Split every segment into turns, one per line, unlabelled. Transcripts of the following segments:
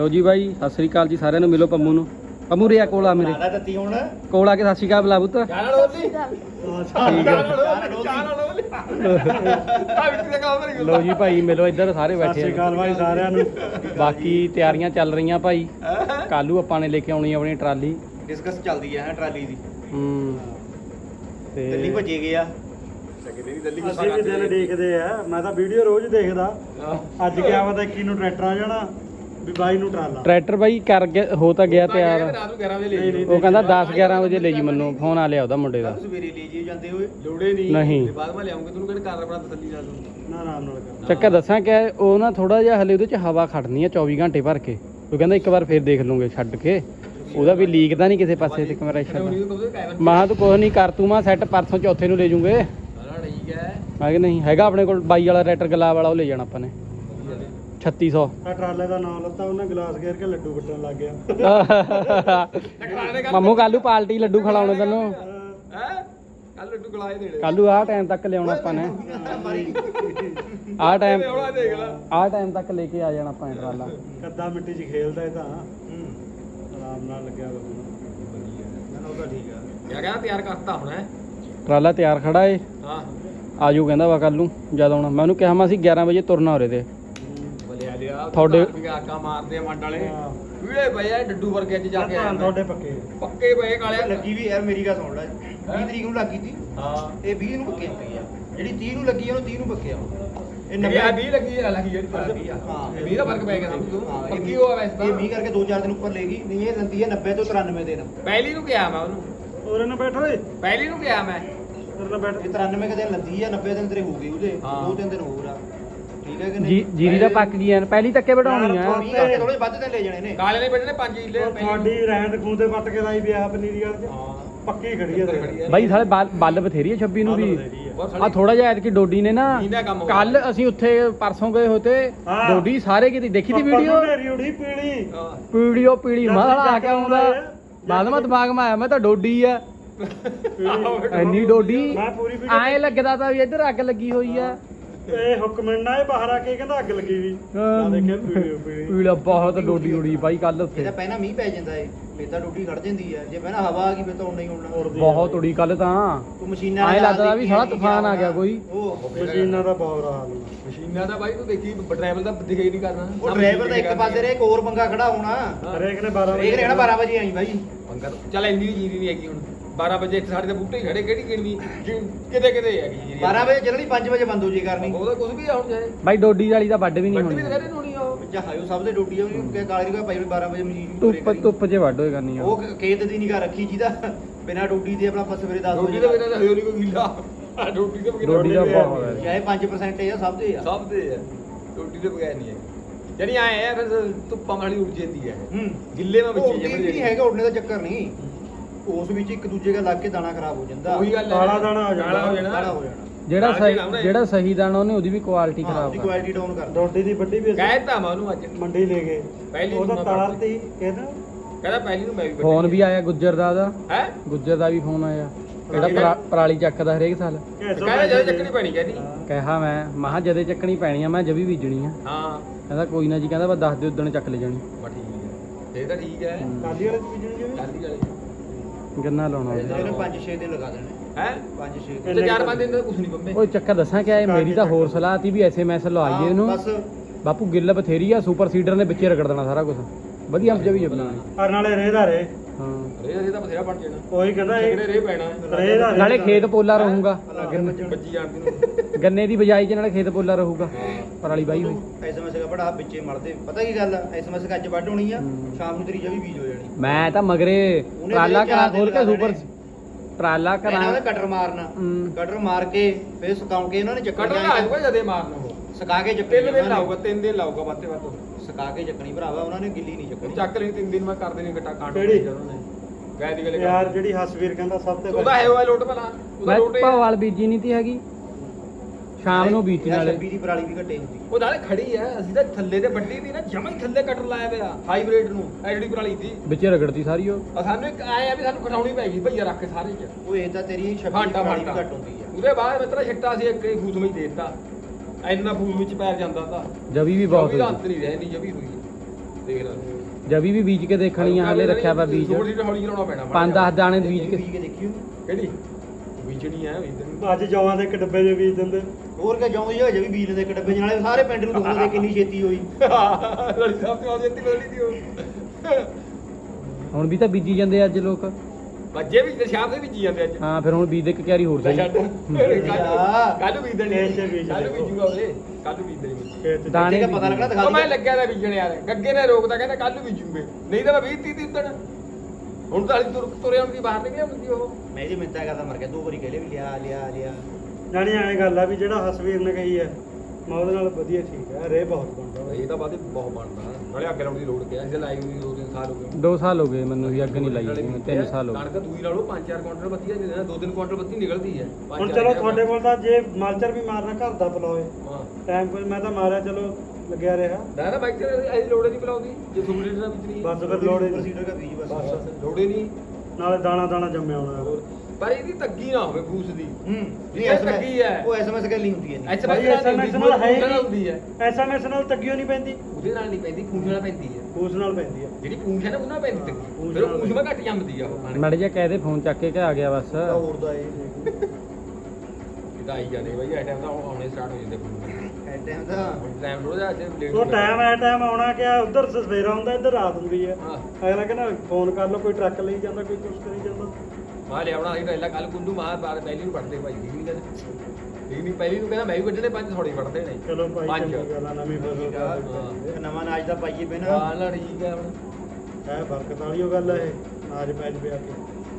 ਲਓ ਜੀ ਬਾਈ, ਸਤਿ ਸ੍ਰੀ ਅਕਾਲ ਜੀ ਸਾਰਿਆਂ ਨੂੰ। ਮਿਲੋ ਪੰਮੂ ਨੂੰ। ਪੰਮੂ ਰਿਆ ਕੋਲ ਆ ਮੇਰੇ ਕੋਲ ਆ ਕੇ ਸਤਿ ਸ੍ਰੀ ਅਕਾਲ ਬੁਲਾ ਪੁੱਤ। ਲਓ ਜੀ ਭਾਈ ਮਿਲੋ, ਇੱਧਰ ਸਾਰੇ ਬੈਠੇ ਆ।
ਸਤਿ ਸ੍ਰੀ ਅਕਾਲ ਭਾਈ ਸਾਰਿਆਂ ਨੂੰ।
ਬਾਕੀ ਤਿਆਰੀਆਂ ਚੱਲ ਰਹੀਆਂ ਭਾਈ। ਕੱਲੂ ਆਪਾਂ ਨੇ ਲੈ ਕੇ ਆਉਣੀ ਆਪਣੀ ਟਰਾਲੀ।
ਡਿਸਕਸ ਚੱਲਦੀ ਹੈ ਟਰਾਲੀ ਦੀ।
ਤੇ
ਦਿੱਲੀ ਭੱਜੇ ਗਿਆ।
ਅਸੀਂ ਵੀ ਦਿਨ ਦੇਖਦੇ ਆ, ਮੈਂ ਤਾਂ ਵੀਡੀਓ ਰੋਜ਼ ਦੇਖਦਾ। ਅੱਜ ਕਿਆ ਪਤਾ ਕੀ ਨੂੰ ਟਰੈਕਟਰ ਆ ਜਾਣਾ ਵੀ ਬਾਈ ਨੂੰ ਟਰਾਲਾ।
ਟਰੈਕਟਰ ਬਾਈ ਕਰ ਗਿਆ, ਹੋ ਤਾਂ ਗਿਆ ਤਿਆਰ। ਉਹ ਕਹਿੰਦਾ 10-11 ਵਜੇ ਲੈ ਜੀ, ਮੈਨੂੰ ਫੋਨ ਆ ਲਿਆ ਉਹਦਾ ਮੁੰਡੇ ਦਾ।
ਸਵੇਰੇ ਲੈ ਜੀ ਜਾਂਦੇ ਹੋਏ
ਲੋੜੇ
ਨਹੀਂ
ਬਾਅਦ ਮੈਂ ਲਿਆਉਂਗੇ ਤੈਨੂੰ ਕਿਹੜੇ ਘਰ ਆਪਣਾ ਤਸੱਲੀ ਨਾਲ
ਨਾ ਆਰਾਮ ਨਾਲ ਕਰ।
ਚੱਕਰ ਦੱਸਾਂ ਕਿ ਉਹ ਨਾ ਥੋੜਾ ਜਿਹਾ ਹਲੇ ਉਹਦੇ ਚ ਹਵਾ ਖੜਨੀ ਆ 24 ਘੰਟੇ ਭਰ ਕੇ। ਉਹ ਕਹਿੰਦਾ ਇੱਕ ਵਾਰ ਫੇਰ ਦੇਖ ਲੂੰਗੇ ਛੱਡ ਕੇ, ਉਹਦਾ ਵੀ ਲੀਕ ਤਾਂ ਨਹੀਂ ਕਿਸੇ ਪਾਸੇ ਤੇ ਕੰਪਰੈਸ਼ਰ ਦਾ। ਮਾਂ ਤੂੰ ਕੁਛ ਨਹੀਂ ਕਰ, ਤੂੰ ਮੈਂ ਸੈੱਟ ਪਰਸੋਂ ਚੌਥੇ ਨੂੰ ਲੈ ਜੂਗੇ।
ਠੀਕ ਹੈ
ਮੈਂ ਕਿ ਨਹੀਂ ਹੈਗਾ ਆਪਣੇ ਕੋਲ 22 ਵਾਲਾ ਟਰੈਕਟਰ ਗੁਲਾਬ ਵਾਲਾ, ਉਹ ਲੈ ਜਾਣਾ ਆਪਾਂ ਨੇ 3600।
ਆ ਟਰਾਲੇ ਦਾ ਨਾਮ ਲੱਤਾ, ਉਹਨੇ ਗਲਾਸ ਘੇਰ ਕੇ ਲੱਡੂ ਵੱਟਣ ਲੱਗ ਗਿਆ।
ਮੰਮੂ ਕੱਲੂ ਪਾਲਟੀ ਲੱਡੂ ਖਿਲਾਉਣੇ ਤੈਨੂੰ।
ਕੱਲ ਲੱਡੂ ਗਲਾਏ ਦੇਣੇ
ਕੱਲੂ ਆਹ ਟਾਈਮ ਤੱਕ ਲਿਆਉਣਾ ਆਪਾਂ ਨੇ। ਆਹ ਟਾਈਮ ਤੱਕ ਲੈ ਕੇ ਆ ਜਾਣਾ ਆਪਾਂ ਨੇ ਟਰਾਲਾ।
ਕੱਦਾ ਮਿੱਟੀ 'ਚ ਖੇਲਦਾ ਇਹ ਤਾਂ ਆਰਾਮ ਨਾਲ ਲੱਗਿਆ ਹੋਇਆ।
ਉਹਦਾ ਠੀਕ ਆ।
ਕਿਆ ਕਹਿੰਦਾ ਤਿਆਰ ਕਰਤਾ ਹੁਣ ਹੈ।
ਟਰਾਲਾ ਤਿਆਰ ਖੜਾ ਏ,
ਹਾਂ
ਆਜੂ ਕਹਿੰਦਾ ਵਾ ਕੱਲ ਨੂੰ ਜਦ ਆਉਣਾ। ਮੈਂ ਉਹਨੂੰ ਕਿਹਾ ਮੈਂ ਅਸੀਂ 11 ਵਜੇ ਤੁਰਨਾ ਉਰੇ ਤੇ।
ਬਲਿਆ ਲਿਆ
ਤੁਹਾਡੇ
ਵੀ ਆਕਾ ਮਾਰਦੇ ਆ ਮੰਡ ਵਾਲੇ ਵੀੜੇ ਪਏ ਆ ਡੱਡੂ ਵਰਗੇ ਅੱਜ ਜਾ ਕੇ ਆਇਆ ਮੈਂ।
ਤੁਹਾਡੇ ਪੱਕੇ
ਪੱਕੇ ਪਏ ਕਾਲੇ
ਲੱਗੀ ਵੀ ਯਾਰ ਮੇਰੀ ਗੱਲ ਸੁਣ ਲੈ। 20 ਤਰੀਕ ਨੂੰ ਲੱਗੀ ਸੀ।
ਹਾਂ
ਇਹ 20 ਨੂੰ ਪੱਕੇ ਆਉਂਦੀ ਆ। ਜਿਹੜੀ 30 ਨੂੰ ਲੱਗੀ ਆ ਉਹਨੂੰ 30 ਨੂੰ ਪੱਕੇ ਆਉਂਦੀ। ਇਹ
ਇਹ
90
20 ਲੱਗੀ ਆ ਲੱਗੀ ਜਿਹੜੀ ਲੱਗੀ ਆ।
ਹਾਂ
ਇਹ 20 ਦਾ ਫਰਕ ਪੈ ਗਿਆ ਸਮਝੋ।
ਹਾਂ, ਇਹ
ਪੱਕੀ ਹੋਆ ਵੈਸੇ
ਇਹ
ਤਾਂ
20 ਕਰਕੇ 2-4 ਦਿਨ ਉੱਪਰ ਲੈਗੀ। ਨਹੀਂ ਇਹ ਦਿੰਦੀ ਹੈ 90 ਤੋਂ 93 ਦਿਨ।
ਪਹਿਲੀ ਨੂੰ ਕਿਹਾ ਮੈਂ ਉਹਨੂੰ,
ਉਹਦੇ ਨਾਲ ਬੈਠ ਓਏ,
ਪਹਿਲੀ ਨੂੰ ਕਿਹਾ ਮੈਂ।
ਉਹਦੇ ਨਾਲ ਬੈਠ।
ਇਹ 93 ਕੁ ਦਿਨ ਲੱਦੀ ਆ, 90 ਦਿਨ ਤੇਰੇ ਹੋ ਗਏ ਉਹਦੇ।
ਹਾਂ।
2-3 ਦਿਨ ਹੋਰ ਆ। ਠੀਕ ਹੈ ਕਿ
ਜੀ
ਨਹੀਂ?
ਜੀਰੀ ਦਾ ਪੱਕ ਗਈ ਐ, ਪਹਿਲੀ ਧੱਕੇ ਵਢਾਉਣੀ ਆ।
20 ਕਰਕੇ ਥੋੜੇ ਵੱਧ ਦਿਨ ਲੈ ਜਾਣੇ ਨੇ।
ਕਾਲੇ ਨੇ ਬੈਠੇ ਨੇ 5 ਕਿੱਲੇ
ਉਹ ਤੁਹਾਡੀ ਰਹਿੰਦ ਖੂੰਦੇ ਪੱਟ ਕੇ ਲਾਈ ਵਿਆਹ ਪਨੀਰੀ ਵਾਲ 'ਚ
ਹਾਂ
ਪੱਕੀ ਖੜੀ ਆ ਤੇਰੇ।
ਬਾਈ ਸਾਲੇ ਬੱਲ ਬਥੇਰੀ ਆ 26 ਨੂੰ ਵੀ। ਆ ਥੋੜਾ ਜਿਹਾ ਐਤਕੀ ਡੋਡੀ ਨੇ ਨਾ,
ਇਹਦਾ ਕੰਮ ਹੋ
ਕੱਲ ਅਸੀਂ ਉੱਥੇ ਪਰਸੋਂ ਗਏ ਹੋਏ ਤੇ
ਹਾਂ।
ਡੋਡੀ ਸਾਰੇ ਕਿਤੇ ਦੇਖੀ ਤੀ ਵੀਡੀਓ।
ਮੇਰੀ ਉੜੀ ਪੀਲੀ
ਵੀਡੀਓ ਪੀੜੀ ਮਾਲਾ ਆ ਕੇ ਆਉਂਦਾ। ਬਾਅਦ ਮੈਂ ਦਿਮਾਗ ਮੈਂ ਆਇਆ, ਮੈਂ ਤਾਂ ਡੋਡੀ ਆ। ਇੰਨੀ ਡੋਡੀ
ਮੈਂ ਪੂਰੀ ਵੀਡੀਓ
ਐਂ ਲੱਗਦਾ ਤਾਂ ਵੀ ਇੱਧਰ ਅੱਗ ਲੱਗੀ ਹੋਈ ਆ।
ਇਹ ਹੁਕਮਨ ਨਾ ਇਹ ਬਾਹਰ ਆ ਕੇ ਕਹਿੰਦਾ ਅੱਗ ਲੱਗੀ ਵੀ। ਆ ਦੇਖਿਆ ਪੀਲੀ
ਪੀੜਾ ਬਹੁਤ ਡੋਡੀ ਉੜੀ ਬਾਈ ਕੱਲ ਉੱਥੇ।
ਇਹਦਾ ਪਹਿਲਾਂ ਮੀਂਹ ਪੈ ਜਾਂਦਾ ਏ ਫੇਰ ਤਾਂ ਡਿਊਟੀ ਖੜ ਜਾਂਦੀ ਆ। ਜੇ ਪਹਿਲਾਂ ਹਵਾ ਆ ਗਈ ਫੇਰ ਤਾਂ ਉਨਾ ਹੀ ਉੜਨਾ।
ਬਹੁਤ ਉੜੀ ਕੱਲ ਤਾਂ।
ਤੂੰ ਮਸ਼ੀਨਾਂ
ਐਂ
ਨਾਲ
ਲੱਗਦਾ ਵੀ ਸਾਲਾ ਤੂਫਾਨ ਆ ਗਿਆ ਕੋਈ।
ਉਹ
ਮਸ਼ੀਨਾਂ ਦਾ ਬਹੁਤ ਹਾਲ ਆ।
ਮਸ਼ੀਨਾਂ ਦਾ ਬਾਈ ਤੂੰ ਦੇਖੀ ਡਰਾਈਵਰ ਦਾ ਦਿਖੇ ਨਹੀਂ ਕਰਨਾ।
ਉਹ ਡਰਾਈਵਰ ਦਾ ਇੱਕ ਪਾਸੇ ਰੇ ਇੱਕ ਹੋਰ ਪੰਗਾ ਖੜਾ ਹੋਣਾ।
ਹਰੇਕ ਨੇ 12
ਇਹ ਰਹਿਣਾ 12 ਵਜੇ ਆਈ ਬਾਈ।
ਪੰਗਾ ਚੱਲ ਇੰਨੀ ਵੀ ਜੀਰੀ ਨਹੀਂ ਹੈਗੀ ਹੁਣ। 12 ਵਜੇ ਇੱਥੇ ਸਾਡੇ ਦੇ ਬੂਟੇ ਹੀ ਖੜੇ, ਕਿਹੜੀ ਗਿਣਵੀ ਕਿਤੇ ਕਿਤੇ ਹੈਗੀ ਜੀਰੀ।
12 ਵਜੇ ਚੱਲਣੀ 5 ਵਜੇ ਬੰਦ ਹੋ ਜੇ ਕਰਨੀ।
ਉਹਦਾ ਕੁਝ ਵੀ ਆ ਹੁਣ ਜਾਏ
ਬਾਈ ਡੋਡੀ ਵਾਲੀ ਤਾਂ ਵੱਢ ਵੀ ਨਹੀਂ
ਵੱਡੀ ਵੀ
ਹੋਣੀ।
ਤਾਂ ਕਹਿੰਦੇ ਹੋਣੀ ਆ ਉਹ।
ਜਹਾਇਓ ਸਭ ਦੇ ਡਿਊਟੀ ਆ ਕਿ ਕਾਲੀ ਰੁਪਏ ਪਾਈ 12 ਵਜੇ ਮਸ਼ੀਨ
ਧੁੱਪ 'ਚ ਵੱਢ ਹੋਏ ਕਰਨੀ ਆ।
ਉਹ ਖੇਤ ਦੀ ਨਿਗਾਹ ਰੱਖੀ ਜਿਹਦਾ ਬਿਨਾ ਡਿਊਟੀ ਦੇ ਆਪਣਾ ਸਵੇਰੇ 10
ਰੋਟੀ
ਵਜੇ
ਦੇ ਬਿਨਾਂ ਤਾਂ ਹੋਈ ਨਹੀਂ ਕੋਈ ਗਿੱਲਾ। ਰੋਟੀ ਦੇ ਬਗੈਰ
ਡੋਡੀ ਦਾ ਬਹੁਤ ਹੈ।
ਚਾਹੇ 5% ਆ ਸਭ ਦੇ ਆ।
ਸਭ ਦੇ ਆ, ਰੋਟੀ ਦੇ ਬਗੈਰ ਨਹੀਂ ਹੈ। ਜਾਨੀ ਆਏ ਆ ਫਿਰ ਧੁੱਪਾਂ ਵਾਲੀ ਉੱਡ ਜਾਂਦੀ ਹੈ। ਗਿੱਲੇ ਮੈਂ ਵਿੱਚੇ
ਉਹ ਨਹੀਂ ਹੈਗਾ ਉੜਨੇ ਦਾ ਚੱਕਰ ਨਹੀਂ। ਉਸ ਵਿੱਚ ਇੱਕ ਦੂਜੇ ਦਾ ਲੱਗ ਕੇ ਦਾਣਾ ਖਰਾਬ ਹੋ ਜਾਂਦਾ।
ਉਹੀ ਗੱਲ ਹੈ,
ਕਾਲਾ ਦਾਣਾ ਹੋ ਜਾਣਾ।
ਕਾਲਾ ਹੋ ਜਾਣਾ।
ਕਾਲਾ ਹੋ ਜਾਣਾ।
ਜਿਹੜਾ ਸਹੀ ਦਾਣਾ ਉਹਨੇ ਉਹਦੀ ਵੀ ਕੁਆਲਿਟੀ ਖਰਾਬ
ਉਹਦੀ
ਕਰ।
ਕੁਆਲਿਟੀ ਡਾਊਨ ਕਰ
ਡੋਡੀ ਦੀ ਵੱਡੀ ਵੀ ਅਸੀਂ
ਕਹਿਤਾ ਮੈਂ ਉਹਨੂੰ ਅੱਜ
ਮੰਡੀ ਲੈ ਗਏ।
ਪਹਿਲੀ
ਉਹ ਤਾਂ
ਨੂੰ
ਤਾਲਤੀ ਕਹਿੰਦਾ
ਕਹਿੰਦਾ ਪਹਿਲੀ ਨੂੰ ਮੈਂ ਵੀ
ਫੋਨ ਵੀ ਆਇਆ ਗੁੱਜਰ ਦਾ ਉਹਦਾ।
ਹੈ
ਗੁੱਜਰ ਦਾ ਵੀ ਫੋਨ ਆਇਆ, ਜਿਹੜਾ ਪਰਾਲੀ ਚੱਕਦਾ ਹਰੇਕ ਸਾਲ।
ਕਹਿੰਦਾ ਜਦ ਚੱਕਣੀ ਪੈਣੀ ਕਹਿੰਦੀ।
ਕਿਹਾ ਮੈਂ ਮਹਾ ਜਦੇ ਚੱਕਣੀ ਪੈਣੀ ਆ, ਮੈਂ ਜਵੀ ਬੀਜਣੀ ਆ।
ਹਾਂ
ਕਹਿੰਦਾ ਕੋਈ ਨਾ ਜੀ, ਕਹਿੰਦਾ ਬਸ ਦੱਸ ਦਿਓ ਉਦਣ ਚੱਕ ਲੈ ਜਾਣੀ।
ਬਾ ਠੀਕ ਹੈ, ਇਹ ਤਾਂ ਠੀਕ ਹੈ।
ਕਾਲੀ ਵਾਲੇ ਚ ਬੀਜਣਗੇ ਵੀ।
ਕਾਲੀ ਵਾਲੇ
ਗੰਨਾ ਲਾਉਣਾ
ਇਹਨੇ 5-6 ਦਿਨ ਲਗਾ ਦੇਣੇ।
ਹੈ
5-6
ਤੇ 4-5 ਦਿਨ ਦਾ ਕੁਝ ਨਹੀਂ ਬੰਬੇ।
ਉਹ ਚੱਕਰ ਦੱਸਾਂ ਕਿ ਮੇਰੀ ਤਾਂ ਹੋਰ ਸਲਾਹ ਤੀ ਵੀ ਐਸਐਮਐਸ ਲਵਾਈਏ ਇਹਨੂੰ।
ਬਸ
ਬਾਪੂ ਗਿੱਲ ਬਥੇਰੀ ਆ, ਸੁਪਰ ਸੀਡਰ ਨੇ ਵਿੱਚੇ ਰਗੜ ਦੇਣਾ ਸਾਰਾ ਕੁਝ। ਵਧੀਆ ਜਵੀ ਬਣਾਣੀ।
ਔਰ ਨਾਲੇ ਰੇਹ ਦਾ ਰੇ
ਹਾਂ
ਰੇ ਤਾਂ ਬਥੇਰਾ ਬਣ ਜਾਣਾ।
ਉਹੀ ਕਹਿੰਦਾ ਇਹ
ਕਿਹੜੇ ਰੇ ਪੈਣਾ ਹੈ।
ਰੇਹ ਦਾ
ਨਾਲੇ ਖੇਤ ਪੋਲਾ ਰਹੂਗਾ।
ਬੱਜੀ ਜਾਣਦੀ ਨੂੰ
ਗੰਨੇ ਦੀ ਬਜਾਈ 'ਚ ਨਾਲੇ ਖੇਤ ਪੋਲਾ ਰਹੂਗਾ। ਪਰਾਲੀ ਬਾਈ ਹੋਈ।
ਐਸਐਮਐਸ ਦਾ ਬੜਾ ਵਿੱਚੇ ਮੜਦੇ। ਪਤਾ ਕੀ ਗੱਲ ਆ, ਐਸਐਮਐਸ ਕੱਜ ਵੱਢ ਹੋਣੀ ਆ, ਸ਼ਾਮ ਨੂੰ ਤੇਰੀ ਜਵੀ ਬੀਜ ਹੋ ਜਾਣੀ।
ਮੈਂ ਤਾਂ ਮਗਰੇ ਟਰਾਲਾ ਕਰਾ ਖੋਲ ਕੇ ਸੁਪਰ ਟਰਾਲਾ
ਇਹਨਾਂ
ਕਰਾ
ਨੇ ਕਟਰ ਮਾਰਨਾ। ਕਟਰ ਮਾਰ ਕੇ ਫਿਰ ਸੁਕਾਉ ਕੇ ਇਹਨਾਂ ਨੇ ਚੱਕਣੀ।
ਕਟਰ ਲਾ ਆਜੂਗਾ ਜਦੇ ਮਾਰਨ ਉਹ।
ਸੁਕਾ ਕੇ
3
ਚੱਕਣੀ।
ਦਿਨ ਲਾਊਗਾ, 3 ਦਿਨ ਲਾਊਗਾ ਵੱਤੇ ਵੱਤ।
ਸੁਕਾ ਕੇ ਚੱਕਣੀ ਭਰਾਵਾ, ਉਹਨਾਂ ਨੇ ਗਿੱਲੀ ਨਹੀਂ ਚੱਕਣੀ।
ਚੱਕ ਲਈ 3 ਦਿਨ ਮੈਂ ਕਰ ਦੇਣੀ ਗੱਟਾ ਕਾਂਡ
ਕਿਹੜੀ?
ਗਏ ਦੀ ਗੱਲ
ਯਾਰ ਜਿਹੜੀ ਹਸਵੀਰ ਕਹਿੰਦਾ ਸਭ ਤੋਂ
ਉਹਦਾ ਹੈ ਉਹ ਲੋਟ ਭਲਾ ਉਹਦਾ
ਮੈਂ
ਲੋਟ ਹੈ।
ਭਾਵਾਲ ਬੀਜੀ ਨਹੀਂ ਤੀ ਹੈਗੀ, ਸ਼ਾਮ ਨੂੰ ਬੀਜੀ
ਯਾਰ
ਨਾਲੇ।
26 ਦੀ ਪਰਾਲੀ ਵੀ ਘੱਟੇ ਹੁੰਦੀ।
ਉਹ ਨਾਲੇ ਖੜੀ ਹੈ। ਅਸੀਂ ਤਾਂ ਥੱਲੇ ਤੇ ਵੱਡੀ ਦੀ ਨਾ ਜਮਾਂ ਹੀ ਥੱਲੇ ਕਟਰ ਲਾਇਆ ਪਿਆ ਹਾਈਬ੍ਰਿਡ ਨੂੰ। ਐਡੀ ਪਰਾਲੀ ਸੀ
ਵਿੱਚੇ ਰਗੜਤੀ ਸਾਰੀ ਉਹ।
ਆ ਸਾਨੂੰ ਇੱਕ ਆਏ ਆ ਵੀ ਸਾਨੂੰ ਕਟਾਉਣੀ ਪੈ ਗਈ ਭਈਆ ਰੱਖ ਕੇ ਸਾਰੇ ਚ।
ਉਹ ਇਹ ਤਾਂ ਤੇਰੀ 26 ਦੀ
ਫਾਂਟਾ
ਪਰਾਲੀ ਵੀ
ਫਾਂਟਾ
ਘੱਟ ਹੁੰਦੀ ਆ।
ਉਹਦੇ ਬਾਅਦ ਮਿੱਤਰਾ ਛਿੱਟਾ ਸੀ ਇੱਕ ਹੀ ਫੂਸ ਵਿੱਚ ਦੇ ਦਿੱਤਾ। ਇੰਨਾ ਫੂਸ ਵਿੱਚ ਪੈਰ ਜਾਂਦਾ ਤਾਂ
ਜਵੀ ਵੀ ਬਹੁਤ
ਜਵੀ ਦਾ
ਹੋਈ।
ਅੰਤ ਨਹੀਂ ਰਹਿ ਨਹੀਂ ਜਵੀ ਹੋਈ। ਦੇਖ ਲੈ
ਜਵੀ ਵੀ ਬੀਜ ਕੇ ਦੇਖਣੀ ਆ ਹਲੇ ਰੱਖਿਆ ਵਾ ਬੀਜ
ਥੋੜੀ ਜਿਹੀ ਹੌਲੀ ਚਲਾਉਣਾ ਪੈਣਾ
5-10 ਦਾਣੇ ਬੀਜ ਕੇ
ਬੀਜ ਕੇ ਦੇਖਿਓ
ਕਿਹੜੀ ਬੀਜਣੀ ਆ ਇਧਰ
ਅੱਜ ਜਵਾਂ ਦੇ ਇੱਕ ਡੱਬੇ 'ਚ ਬੀਜ ਦਿੰਦੇ
ਹੋਰ ਕਿਆ ਜਾਉਂਦੀ ਹਜੇ ਵੀ ਬੀਜ ਦੇ ਇੱਕ ਡੱਬੇ 'ਚ, ਨਾਲੇ ਸਾਰੇ ਪਿੰਡ ਨੂੰ ਦਿਖਾਉਂਦੇ ਕਿੰਨੀ ਛੇਤੀ ਹੋਈ।
ਲੜੀ ਸਾਹਿਬ ਤੇ ਆਉਂਦੀ ਇੱਥੇ ਬਦਲੀ ਦੀ ਉਹ
ਹੁਣ ਵੀ ਤਾਂ ਬੀਜੀ ਜਾਂਦੇ ਅੱਜ ਲੋਕ
ਬੱਜੇ ਵੀ ਸ਼ਾਮ ਦੇ ਬੀਜੀ ਜਾਂਦੇ ਅੱਜ
ਹਾਂ ਫਿਰ ਹੁਣ ਬੀਜ ਦੇ ਇੱਕ ਕਿਆਰੀ ਹੋਰ ਸਹੀ
ਕੱਲ ਨੂੰ ਬੀਜਣੀ
ਇਹ 'ਚ ਬੀਜ
ਕੱਲ ਨੂੰ ਬੀਜੂਗਾ ਉਹਦੇ ਕੱਲ ਨੂੰ ਬੀਜਣੀ
ਖੇਤ 'ਚ।
ਦਾਣੇ
ਠੀਕ ਹੈ, ਪਤਾ ਲੱਗਣਾ ਦਿਖਾ
ਉਹ ਮੈਂ
ਦੇ।
ਲੱਗਿਆ ਦਾ ਬੀਜਣ ਯਾਰ ਗੱਗੇ ਨੇ ਰੋਕਦਾ ਕਹਿੰਦਾ ਕੱਲ ਨੂੰ ਬੀਜੂਗੇ ਨਹੀਂ ਤਾਂ ਮੈਂ 20-30 ਦਿਨ ਤੱਕ ਹੁਣ ਤਾਂ ਹਾਲੀ ਤੁਰੇ ਹੁਣ ਦੀ ਬਾਹਰ ਨਿਕਲਿਆ ਹੁੰਦੀ ਉਹ
ਮੈਂ ਇਹਦੀ ਮਿੰਤਾ ਕਰਦਾ ਮਰ ਗਿਆ, 2 ਵਾਰੀ ਕਹਿ ਲਿਆ ਵੀ ਲਿਆ
ਜਾਣੀ ਐਂ ਗੱਲ ਆ ਵੀ ਜਿਹੜਾ ਹਸਵੀਰ ਨੇ ਕਹੀ ਹੈ ਮੈਂ ਉਹਦੇ ਨਾਲ ਵਧੀਆ ਠੀਕ ਹੈ ਰੇ ਬਹੁਤ ਬਣਦਾ ਵਾ।
ਇਹ ਤਾਂ ਬਾਅਦ ਬਹੁਤ ਬਣਦਾ ਨਾਲੇ ਅੱਗੇ ਲਾਉਣ ਦੀ ਲੋੜ ਪਿਆ ਇਸੇ ਲਾਈ ਹੋਈ 2-3 ਸਾਲ ਹੋ ਗਏ
2 ਸਾਲ ਹੋ ਗਏ ਮੈਨੂੰ ਵੀ ਅੱਗ ਨਹੀਂ ਲਾਈ ਜਿਵੇਂ 3 ਸਾਲ ਹੋ ਗਏ
ਕਣਕ ਦੂਈ ਲਾ ਲਓ 5-4 ਕੁਇੰਟਲ ਬੱਤੀ ਦੇ ਦੇਣਾ 2-3 ਕੁਇੰਟਲ ਬੱਤੀ ਨਿਕਲਦੀ ਹੈ
ਹੁਣ ਚਲੋ ਤੁਹਾਡੇ ਕੋਲ ਤਾਂ ਜੇ ਮਾਲਚਰ ਵੀ ਮਾਰਨਾ ਘਰ ਦਾ ਪਲਾਓਏ
ਹਾਂ
ਟਾਈਮ ਕੋਈ ਮੈਂ ਤਾਂ ਮਾਰਿਆ ਚਲੋ ਲੱਗਿਆ ਰਿਹਾ
ਨਾ ਬਾਈਕ ਤੇ ਐਸੀ ਲੋੜ ਨਹੀਂ ਪਲਾਉਂਦੀ ਜੇ ਸੁਪਰ ਲੀਟਰ ਵਿੱਚ ਨਹੀਂ
ਬਸ ਫਿਰ ਲੋੜ ਹੀ ਨਹੀਂ।
ਪ੍ਰੋਸੀਡਰ ਦਾ ਬੀਜ ਬਸ।
ਲੋੜੇ ਨਹੀਂ
ਨਾਲੇ ਦਾਣਾ ਦਾਣਾ ਜੰਮਿਆ ਹੋਣਾ
ਪਰ ਇਹਦੀ ਤੱਗੀ ਨਾ ਹੋਵੇ ਫੂਸ ਦੀ
ਨਹੀਂ
ਇਹ ਤੱਗੀ ਹੈ
ਉਹ ਐਸਐਮਐਸ ਗੱਲ ਨਹੀਂ ਹੁੰਦੀ ਹੈ।
ਐਸਐਮਐਸ
SMS ਨਾਲ ਹੈ ਹੀ
ਹੁੰਦੀ ਹੈ
ਐਸਐਮਐਸ ਨਾਲ ਤੱਗਿਓ ਨਹੀਂ ਪੈਂਦੀ
ਉਹਦੇ ਨਾਲ ਨਹੀਂ ਪੈਂਦੀ ਪੂੰਛ ਨਾਲ ਪੈਂਦੀ ਹੈ
ਉਸ ਨਾਲ ਪੈਂਦੀ ਆ
ਜਿਹੜੀ ਪੂੰਛ ਹੈ ਨਾ ਉਹਨਾਂ ਪੈਂਦੀ ਤੱਗੀ
ਪੂੰਛ
ਫਿਰ ਉਹ
ਨਾਲ
ਪੂੰਛ ਮੈਂ ਘੱਟ ਜੰਮਦੀ ਆ ਉਹ
ਮੜ ਜਾ ਕਹਿ ਦੇ ਫੋਨ ਚੱਕ ਕੇ ਆ ਗਿਆ ਬਸ
ਹੋਰ ਦਾ ਇਹ
ਇਹ ਤਾਂ ਆਈ ਜਾਂਦੇ ਬਈ ਇਹ ਟਾਈਮ ਤਾਂ ਆਉਣੇ ਸਟਾਰਟ ਹੋ ਜਾਂਦੇ ਫੋਨ
ਐ ਟਾਈਮ ਦਾ
ਹੁਣ ਟਾਈਮ ਰੋਜ਼ ਅੱਜ ਲੇਟ
ਉਹ ਟਾਈਮ ਆਉਣਾ ਕਿ ਉਧਰ ਸਵੇਰਾ ਹੁੰਦਾ ਇੱਧਰ ਰਾਤ ਹੁੰਦੀ ਹੈ
ਹਾਂ
ਅਗਲਾ ਕਹਿੰਦਾ ਫੋਨ ਕਰ ਲਓ ਕੋਈ ਟਰੱਕ ਲਈ ਜਾਂਦਾ ਕੋਈ ਕੁਛ ਕਰੀ ਜਾਂਦਾ
ਮਾਂ ਲਿਆਉਣਾ ਸੀ ਪਹਿਲਾਂ ਕੱਲ ਕੁੰਦੂ ਮਾਂ ਬਾਅਦ ਪਹਿਲੀ ਨੂੰ ਪੜਦੇ ਭਾਈ ਠੀਕ ਨਹੀਂ ਠੀਕ ਨਹੀਂ ਪਹਿਲੀ ਨੂੰ ਕਹਿੰਦਾ ਮੈਂ ਵੀ ਕੱਢਣੇ 5 ਥੋੜੀ ਪੜਦੇ ਨੇ
ਚਲੋ ਭਾਈ
ਪੰਜ।
ਚੰਗੀ ਗੱਲ ਆ ਨਵੀਂ ਫਸਲ
ਠੀਕ ਆ।
ਕਰ
ਇੱਕ ਨਵਾਂ ਨਾਜ ਦਾ ਪਾਈਏ ਪਏ ਨਾ।
ਹਾਂ ਨਾ ਠੀਕ ਹੈ ਹੁਣ
ਹੈ ਬਰਕਤ ਵਾਲੀ ਉਹ ਗੱਲ ਹੈ ਨਾਜ ਪੈਜ ਪਿਆ ਕੇ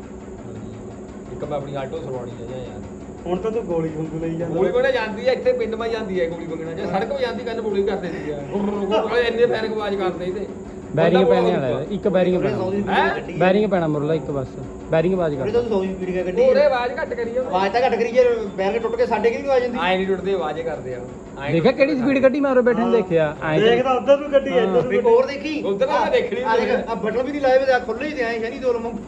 ਇੱਕ ਮੈਂ ਆਪਣੀ ਆਟੋ ਸਰਵਾਉਣੀ ਹੈ ਜਾਂ ਯਾਰ
ਹੁਣ ਤਾਂ ਤੂੰ ਗੋਲੀ ਵਾਂਗੂ ਲਈ ਜਾਂਦਾ
ਗੋਲੀ ਬਣਾ ਜਾਂਦੀ ਹੈ ਇੱਥੇ ਪਿੰਡ ਮਾ ਜਾਂਦੀ ਹੈ ਗੋਲੀ ਵਗਣਾ ਜੇ ਸੜਕ 'ਤੇ ਜਾਂਦੀ ਕੰਨ ਗੋਲੀ ਕਰ ਦਿੰਦੀ ਹੈ ਇੰਨੇ ਪੈਰ ਆਵਾਜ਼ ਕਰਦੇ ਇਹਦੇ
ਬੈਰਿੰਗ ਪੈਣੇ ਵਾਲਾ ਹੈ, ਇੱਕ ਬੈਰਿੰਗ ਪੈਣਾ
ਹੈਂ?
ਬੈਰਿੰਗ ਪੈਣਾ ਮੁਰਲਾ ਇੱਕ ਬਸ ਬੈਰਿੰਗ ਆਵਾਜ਼
ਉਹਨੇ
ਕਰ
ਤਾਂ 100 ਦੀ ਸਪੀਡ ਕਾ ਗੱਡੀ
ਉਹਦੇ ਆਵਾਜ਼ ਘੱਟ ਕਰੀ ਆ
ਆਵਾਜ਼ ਤਾਂ ਘੱਟ ਕਰੀ ਜੇ ਬੈਲ ਟੁੱਟ ਕੇ ਸਾਡੇ ਕਿਹਦੀ ਆਵਾਜ਼ ਜਾਂਦੀ।
ਆਏ ਨਹੀਂ ਟੁੱਟਦੇ ਆਵਾਜ਼ੇ ਕਰਦੇ ਆ
ਦੇਖਿਆ ਕਿਹੜੀ ਸਪੀਡ ਕੱਢੀ ਮੈਂ ਉਰੇ ਬੈਠੇ ਨੂੰ ਦੇਖਿਆ ਐਂ ਤਾਂ-
ਦੇਖਦਾ ਉਧਰ ਨੂੰ ਗੱਡੀ
ਹਾਂ।
ਇੱਧਰ ਨੂੰ
ਇੱਕ ਹੋਰ ਦੇਖੀ
ਉੱਧਰ ਤਾਂ ਮੈਂ ਦੇਖਣੀ
ਆ ਦੇਖ ਆ ਬਟਨ ਵੀ ਨਹੀਂ ਲਾਏ ਵੇ ਖੁੱਲੇ ਹੀ ਤੇ ਆਏ ਸ਼ਨੀ ਦੋ ਲਮੋਂ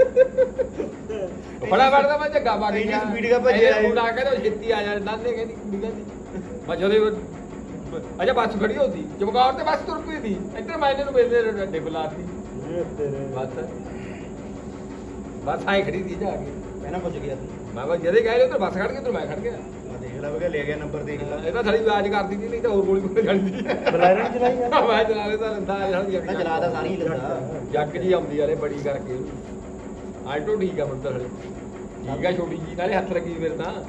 ਬੜਾ ਵੜਦਾ ਮੈਂ ਝੱਗਾ ਪਾ ਕੇ
ਇੰਨੀ
ਗਿਆ।
speed ਨਾਲ ਭੱਜਿਆ
ਇਹਨੇ ਫੋਨ ਆ ਕੇ ਤੇ ਉਹ ਛੇਤੀ ਆ ਜਾ ਨਾਨੇ ਕਹਿੰਦੀ ਕੁੜੀ ਕਹਿੰਦੀ ਮੈਂ ਜਦੋਂ ਅਜਾ ਬੱਸ ਖੜੀ ਹੁੰਦੀ ਚਮਕੌਰ ਤੇ ਬੱਸ ਤੁਰ ਪਈ ਸੀ ਇੱਧਰ ਮਾਇਨੇ ਨੂੰ ਮਿਲਦੇ ਡੱਡੇ ਬੁਲਾਤੀ
ਇਹ ਤੇਰੇ
ਬਸ ਆਏ ਖੜੀ ਸੀ ਜਾ ਕੇ
ਪਹਿਲਾਂ ਪੁੱਛ ਗਿਆ ਤੂੰ
ਮੈਂ ਕਿਹਾ ਜਦੇ ਗਏ ਉੱਧਰ ਬੱਸ ਖੜ ਗਈ ਤੇ ਮੈਂ ਖੜ ਗਿਆ
ਆ ਦੇਖ ਲੈ ਵੇ ਲੈ ਗਿਆ ਨੰਬਰ ਦੇਖ ਲੈ
ਇਹ ਤਾਂ ਥੜੀ ਆਵਾਜ਼ ਕਰਦੀ ਸੀ ਨਹੀਂ ਤਾਂ ਹੋਰ ਗੋਲੀ ਕੋਲ ਜਾਣੀ ਸੀ
ਬਲੈਰਨ ਚਲਾਈ ਆ
ਮੈਂ ਚਲਾ ਲੈਦਾ ਲੰਦਾ
ਨਾ ਚਲਾ ਤਾਂ ਸਾਰੀ ਹੀ ਲੈਂਦਾ
ਜੱਗ ਜੀ ਆਉਂਦੀ ਯਾਰੇ ਬੜੀ ਕਰਕੇ ਆਲਟੋ ਠੀਕ ਆ ਮੰਦਰ ਹਲੇ ਠੀਕ ਆ ਛੋਟੀ ਜੀ ਨਾਲੇ ਹੱਥ ਲੱਗੀ ਮੇਰੇ ਤਾਂ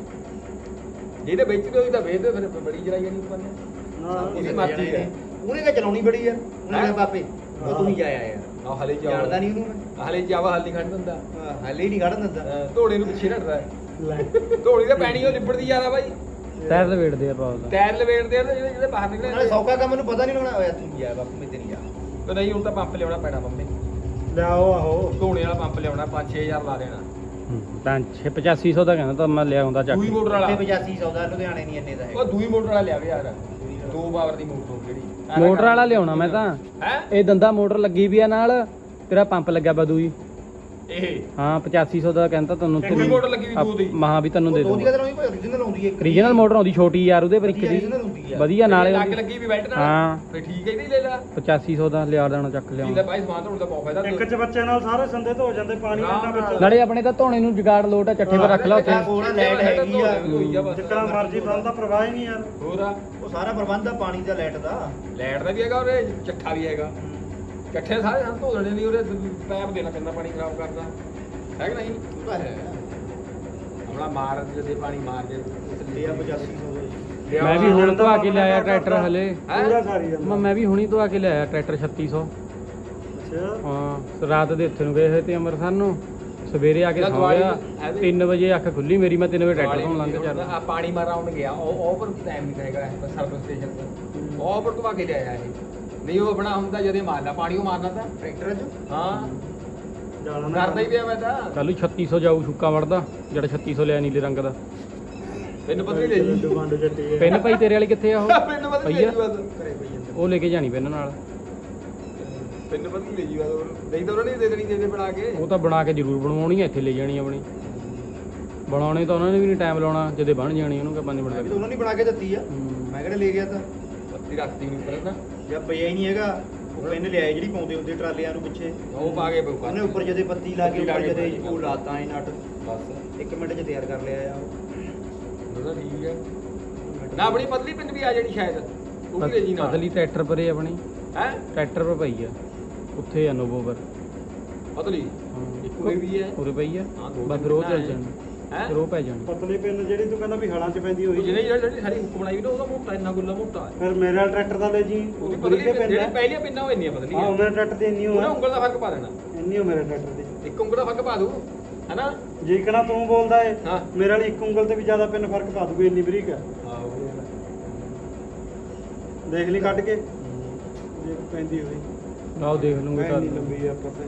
ਜਿਹਦੇ ਵਿੱਚ ਤੇ ਉਹਦੀ ਤਾਂ ਵੇਚ ਦੇ ਫਿਰ ਬੜੀ ਜਰਾਈ ਨਹੀਂ ਉੱਪਰ ਨੇ
ਨਾ
ਇਹਦੀ ਮਰਜ਼ੀ ਹੈ।
ਉਹਨੇ ਕਾ ਚਲਾਉਣੀ ਬੜੀ ਯਾਰ ਉਹਨੇ ਕਿਹਾ ਬਾਪੇ ਉਹ ਤੂੰ ਹੀ ਜਾਇਆ ਯਾਰ
ਆ ਹਲੇ ਜਾ
ਜਾਣਦਾ ਨਹੀਂ ਉਹਨੂੰ
ਹਲੇ ਜਾਵਾ ਹਲ ਨਹੀਂ ਖੜ ਦਿੰਦਾ
ਮੈਂ ਹਾਲੇ ਹੀ ਨਹੀਂ ਕੱਢਣ ਦਿੰਦਾ
ਧੋੜੇ ਨੂੰ ਪਿੱਛੇ ਰੱਖਦਾ
ਲੈ
ਧੋੜੀ ਤਾਂ ਪੈਣੀ ਉਹ ਲਿਬੜਦੀ ਜ਼ਿਆਦਾ ਬਾਈ
ਟਾਇਰ ਲਵੇੜਦੇ ਆ ਪਾਉ ਦਾ
ਟਾਇਰ ਲਵੇੜਦੇ ਆ ਤੇ ਜਿਹੜੇ ਬਾਹਰ ਨਿਕਲੇ
ਨਾਲੇ ਸੌਕਾ ਕੰਮ ਨੂੰ ਪਤਾ ਨਹੀਂ ਲੱਗਣਾ ਹੋਇਆ ਤੂੰ ਜਾ ਬਾਪੂ ਮੈਂ ਤੇ ਨਹੀਂ ਜਾ
ਤੇ ਨਹੀਂ ਹੁਣ ਤਾਂ ਪੰਪ ਲਿਆਉਣਾ ਪੈਣਾ ਮੰਮੀ
ਲਿਆਓ ਆਹੋ
ਧੋਣੇ ਵਾਲਾ ਪੰਪ ਲਿਆਉਣਾ 5-6000 ਲਾ ਦੇਣਾ
ਤਾਂ 8500 ਦਾ ਕਹਿੰਦਾ ਤਾਂ ਮੈਂ ਲਿਆਉਂਦਾ ਚੱਕ
ਦੂਈ ਮੋਟਰ ਵਾਲਾ
8500 ਦਾ ਲੁਧਿਆਣੇ ਨਹੀਂ ਇੰਨੇ ਦਾ ਹੈ
ਉਹ ਦੂਈ ਮੋਟਰ ਵਾਲਾ ਲਿਆਵੇ ਯਾਰ 2 ਪਾਵਰ ਦੀ ਮੋਟਰ ਹੋਊ ਜਿਹੜੀ
ਮੋਟਰ ਵਾਲਾ ਲਿਆਉਣਾ ਮੈਂ ਤਾਂ
ਹੈ
ਇਹ ਦੰਦਾ ਮੋਟਰ ਲੱਗੀ ਵੀ ਆ ਨਾਲ ਤੇਰਾ ਪੰਪ ਲੱਗਿਆ ਬਦੂਈ
ਇਹ
ਹਾਂ 8500 ਦਾ ਕਹਿੰਦਾ ਤੁਹਾਨੂੰ
ਦੂਈ ਮੋਟਰ ਲੱਗੀ ਵੀ ਦੋ ਦੀ
ਮਹਾ ਵੀ ਤੈਨੂੰ ਦੇ
ਦੋ ਦੀ
ਦੂੰਗਾ
ਕਦਰ ਨਹੀਂ ਭਾਈ origignal ਆਉਂਦੀ ਹੈ
ਰੀਜਨਲ ਮੋਟਰ ਆਉਂਦੀ ਛੋਟੀ ਯਾਰ ਉਹਦੇ ਪਰ ਇੱਕ ਦੀ
original ਹੁੰਦੀ ਆ
ਵਧੀਆ ਨਾਲੇ
ਲੱਗ
ਉਹਦੀ।
ਲੱਗੀ ਵੀ ਬੈਲਟ ਨਾਲ
ਹਾਂ।
ਫੇ ਠੀਕ ਹੈ ਇਹਦੀ ਲੈ ਲਾ
8500 ਦਾ ਲਿਆ ਦੇਣਾ ਚੱਕ
ਕੀ ਲੈ
ਲਿਆਉਣਾ
ਭਾਈ ਸਮਾਨ ਧੋਣ ਦਾ ਬਹੁਤ ਫਾਇਦਾ
ਇੱਕ ਚ ਬੱਚੇ ਨਾਲ ਸਾਰੇ ਸੰਦੇ ਧੋ ਜਾਂਦੇ ਪਾਣੀ ਇੰਨਾ ਵਿੱਚ
ਨਾਲੇ ਆਪਣੇ ਤਾਂ ਧੋਣੇ ਨੂੰ ਜੁਗਾੜ ਲੋਟ ਆ ਚੱਠੇ ਪਰ ਰੱਖ ਲਾ ਉੱਥੇ
ਕੋਲ ਲਾਈਟ ਹੈਗੀ ਆ
ਜਿੱਕਣਾ ਮਰਜੀ ਬੰਦ ਦਾ ਪ੍ਰਵਾਹ ਹੀ ਨਹੀਂ ਯਾਰ
ਹੋਰ ਆ
ਉਹ ਸਾਰਾ ਪ੍ਰਬੰਧ ਆ ਪਾਣੀ ਦਾ ਲਾਈਟ ਦਾ
ਲੈਟ ਦਾ ਵੀ ਹੈਗਾ ਉਹਦੇ ਚੱਠਾ ਵੀ ਹੈਗਾ ਇਕੱਠੇ ਸਾਰੇ ਸਾਨੂੰ ਧੋ ਦੇਣੇ ਨਹੀਂ ਉਹਦੇ ਪੈਪ ਦੇਣਾ ਪੈਂਦਾ ਪਾਣੀ ਖਰਾਬ ਕਰਦਾ ਹੈ ਕਿ ਨਹੀਂ
ਉਹ ਤਾਂ ਹੈ
ਆਪਣਾ ਮਾਰ ਦੇ ਪਾਣੀ ਮਾਰ ਦੇ
ਲਿਆ 8500 ਦਾ
ਮੈਂ ਵੀ ਹੁਣ ਧਵਾ ਕੇ ਲਿਆਇਆ ਟਰੈਕਟਰ ਹਲੇ
ਪੂਰਾ ਸਾਰੀ ਜਾਂਦਾ
ਮੈਂ ਵੀ ਹੁਣੀ ਧਵਾ ਕੇ ਲਿਆਇਆ ਟਰੈਕਟਰ 3600
ਅੱਛਾ
ਹਾਂ ਰਾਤ ਦੇ ਉੱਥੇ ਨੂੰ ਗਏ ਹੋਏ ਤੇ ਅੰਮ੍ਰਿਤਸਰ ਨੂੰ ਸਵੇਰੇ ਆ ਕੇ
ਇਹਦਾ
ਸੌਂ
ਦਵਾਈ
ਗਿਆ
ਹੈ ਵੀ?
3 ਵਜੇ ਅੱਖ ਖੁੱਲੀ ਮੇਰੀ ਮੈਂ 3 ਵਜੇ ਟਰੈਕਟਰ ਤੋਂ ਲੰਘ ਚੱਲ
ਆ ਪਾਣੀ ਮਾਰ ਰਾਉਂਡ ਗਿਆ ਉਹ ਪਰ ਟਾਈਮ ਨਹੀਂ ਹੈਗਾ ਸਰਵਿਸ ਸਟੇਸ਼ਨ ਤੇ ਉਹ ਪਰ ਧਵਾ ਕੇ ਲਿਆਇਆ ਇਹ ਨਹੀਂ ਉਹ ਬਣਾ ਹੁੰਦਾ ਜਦੇ ਮਾਰਦਾ ਪਾਣੀ ਉਹ ਮਾਰਨਾ ਤਾਂ
ਟਰੈਕਟਰ ਚ
ਹਾਂ
ਜਾਣਾ ਨਾ
ਕਰਦਾ ਹੀ ਪਿਆ ਮੈਂ ਤਾਂ
ਕੱਲ ਨੂੰ 3600 ਜਾਊ ਸੁੱਕਾ ਵੜਦਾ ਜਿਹੜਾ 3600 ਲਿਆ ਨੀਲੇ ਰੰਗ ਦਾ
ਪਿੰਨ ਪਤਲੀ ਲੈ ਜੀ
ਡੁਬਾਂਡ ਜੱਟੀ ਹੈ
ਪਿੰਨ ਭਾਈ ਤੇਰੇ ਵਾਲੀ ਕਿੱਥੇ ਆ ਉਹ
ਪਿੰਨ ਪਤਲੀ ਲੈ ਜੀ ਬਸ
ਘਰੇ ਪਈ ਜਾਂਦਾ
ਉਹ ਲੈ ਕੇ ਜਾਣੀ ਪਿੰਨ ਨਾਲ
ਪਿੰਨ ਪਤਲੀ ਲੈ ਜੀ ਬਸ ਨਹੀਂ ਤਾਂ ਉਹਨਾਂ ਨੇ ਦੇ ਦੇਣੀ ਦੇ ਬਣਾ ਕੇ
ਉਹ ਤਾਂ ਬਣਾ ਕੇ ਜ਼ਰੂਰ ਬਣਵਾਉਣੀ ਆ ਇੱਥੇ ਲੈ ਜਾਣੀ ਆਪਣੀ ਬਣਾਉਣੇ ਤਾਂ ਉਹਨਾਂ ਨੇ ਵੀ ਨਹੀਂ ਟਾਈਮ ਲਾਉਣਾ ਜਦੇ ਬਣ ਜਾਣੀ ਉਹਨੂੰ ਕਿ 5 ਮਿੰਟ
ਮੈਂ ਵੀ ਤਾਂ
ਲੱਗ
ਉਹਨਾਂ ਨੇ ਬਣਾ ਕੇ ਦਿੱਤੀ ਆ ਮੈਂ ਕਿਹੜੇ ਲੈ ਗਿਆ ਤਾਂ
ਪਤਲੀ ਰੱਖਦੀ ਨਹੀਂ ਪਰ ਨਾ
ਜਾਂ ਪਿਆ ਹੀ ਨਹੀਂ ਹੈਗਾ ਉਹ ਪਿੰਨ ਲਿਆਏ ਜਿਹੜੀ ਪਾਉਂਦੇ ਹੁੰਦੇ ਟਰਾਲੀਆਂ ਨੂੰ ਪਿੱਛੇ
ਉਹ ਪਾ ਕੇ
ਉਹਨੇ ਉੱਪਰ ਜਦੇ ਪੱਤੀ ਲਾ ਕੇ ਉੱਪਰ ਜਦੇ ਉਹ ਲਾਤਾ ਐ ਨਟ
ਬਸ
1 ਮਿੰਟ 'ਚ ਤਿਆਰ ਕਰ ਲਿਆ ਆ
ਉਹਦਾ ਠੀਕ ਹੈ ਨਾ ਆਪਣੀ ਪਤਲੀ ਪਿੰਨ ਵੀ ਆ ਜਾਣੀ ਸ਼ਾਇਦ ਉਹ ਵੀ ਲੈ ਜੀ ਨਾਲ
ਪਤਲੀ ਟਰੈਕਟਰ ਪਰੇ ਆਪਣੀ
ਹੈ
ਟਰੈਕਟਰ ਪਰ ਪਈ ਆ ਉੱਥੇ ਆ ਨੋਵੋ ਪਰ
ਪਤਲੀ ਇੱਕ ਉਰੇ ਵੀ ਹੈ
ਉਰੇ ਪਈ ਆ
ਹਾਂ, ਦੋ
ਬਸ ਫਿਰ ਉਹ ਚੱਲ
ਪਿੰਨਾਂ
ਜਾਣੀ
ਹੈ
ਫਿਰ ਉਹ ਪੈ ਜਾਣੀ
ਪਤਲੀ ਪਿੰਨ ਜਿਹੜੀ ਤੂੰ ਕਹਿੰਦਾ ਵੀ ਹਲਾਂ 'ਚ ਪੈਂਦੀ
ਉਹ
ਹੋਈ
ਜਿਹਨੇ ਜਿਹੜੀ ਸਾਡੀ ਹੁੱਕ ਬਣਾਈ ਨਾ ਉਹਦਾ ਮੋਟਾ ਇੰਨਾ ਗੁੱਲਾ ਮੋਟਾ ਹੈ
ਫਿਰ ਮੇਰੇ ਵਾਲਾ ਟਰੈਕਟਰ ਦਾ ਲੈ ਜੀ
ਉਹਦੀ
ਉਹ
ਪਤਲੀ
ਬਰੀਕੇ ਪਿੰਨ
ਜਿਹੜੀ
ਹੈ
ਪਹਿਲੀਆਂ ਪਿੰਨਾਂ ਉਹ ਇੰਨੀਆਂ ਪਤਲੀਆਂ
ਹਾਂ ਉਹਨਾਂ ਟਰੈਕਟਰ ਦੀ ਇੰਨੀ
ਉਹਨੇ
ਹੋਆ
ਉਂਗਲ ਦਾ ਫਰਕ ਪਾ ਦੇਣਾ
ਇੰਨੀ ਹੋ ਮੇਰੇ ਟਰੈਕਟਰ ਦੀ
ਇੱਕ ਉਂਗਲ ਦਾ ਫਰਕ ਪਾ ਦੂ ਹੈਨਾ
ਜੇਕਣਾ ਤੂੰ ਬੋਲਦਾ ਏ
ਹਾਂ
ਮੇਰੇ ਵਾਲੀ ਇੱਕ ਉਂਗਲ ਤੇ ਵੀ ਜ਼ਿਆਦਾ ਪਿੰਨ ਫਰਕ ਪਾ ਦੂਗੀ ਇੰਨੀ ਬਰੀਕ ਹੈ ਦੇਖ ਲਈ ਕੱਢ ਕੇ ਜੇ ਪੈਂਦੀ ਹੋਈ
ਆਓ ਦੇਖ ਲੂੰਗੇ
ਇੰਨੀ ਲੰਬੀ ਆ ਆਪਾਂ ਤੇ